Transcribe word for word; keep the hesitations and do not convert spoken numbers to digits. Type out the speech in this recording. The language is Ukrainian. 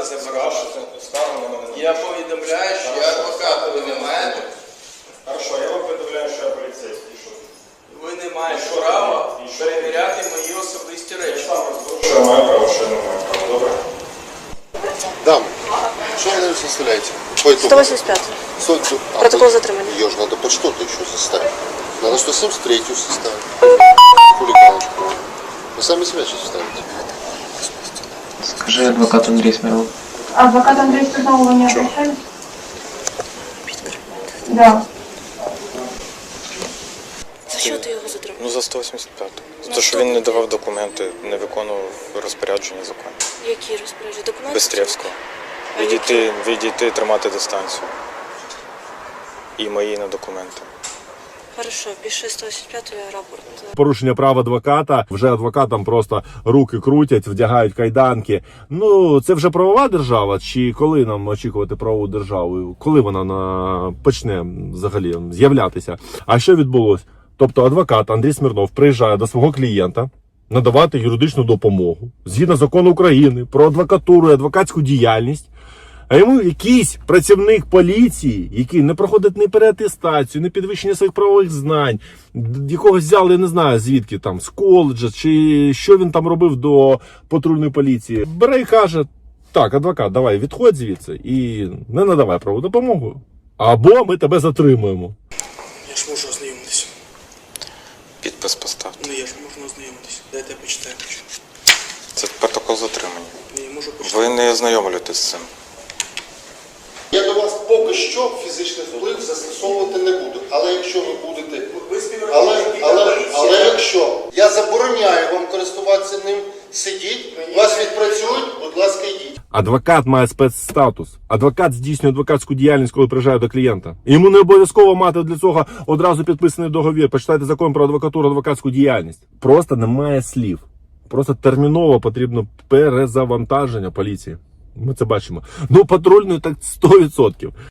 забирати. Скаргу на мене. Я повідомляю, що я адвокат, ви не маєте. Хорошо, я вам повідомляю, що я поліцейський. Що? Ви не маєте права перевіряти мої особисті Я речі. сам розберу, що я маю право, що я не маю права. Добре? Дам. Что вы, наверное, составляете? По итогу. сто восемьдесят пять. сто- а, Протокол по- затримания. Ее же надо под что-то еще составить. Надо сто семьдесят три составить. Хулиганочку. Вы сами себя сейчас ставите. Скажи адвокат Андрей Смирнов. Адвокат Андрей Смирнов, вы не обращались? Да. За що ти його затримав? Ну, за сто вісімдесят п'ять. За Ну, те, що що він не таке? давав документи, не виконував розпорядження закону. Які розпорядження? Документи? Бестрєвського. А які? Відійти, відійти, тримати дистанцію. І мої на документи. Хорошо, пиши сто вісімдесят п'ять рапорт. Порушення прав адвоката, вже адвокатам просто руки крутять, вдягають кайданки. Ну, це вже правова держава, чи коли нам очікувати правову державу? Коли вона на... почне взагалі з'являтися? А що відбулося? Тобто адвокат Андрій Смирнов приїжджає до свого клієнта надавати юридичну допомогу згідно закону України про адвокатуру і адвокатську діяльність. А йому якийсь працівник поліції, який не проходить ні переатестацію, ні підвищення своїх правових знань, якого взяли, я не знаю звідки, там, з коледжа, чи що він там робив до патрульної поліції, бере і каже: так, адвокат, давай, відходь звідси і не надавай правову допомогу. Або ми тебе затримуємо. Я ж можу ознайомитись. Підпис поставте. Ну я ж можу ознайомитись. Дайте я почитаю. Це протокол затримання. Ну, я можу почитати. Ви не ознайомлюєтесь з цим. Я до вас поки що фізичний вплив застосовувати не буду. Але якщо ви будете... Але, але, але якщо я забороняю вам користуватися ним, сидіть, вас відпрацюють, будь ласка, йдіть. Адвокат має спецстатус. Адвокат здійснює адвокатську діяльність, коли приїжджає до клієнта. Йому не обов'язково мати для цього одразу підписаний договір. Почитайте закон про адвокатуру, адвокатську діяльність. Просто немає слів. Просто терміново потрібно перезавантаження поліції. Ми це бачимо. Ну, патрульної так сто відсотків.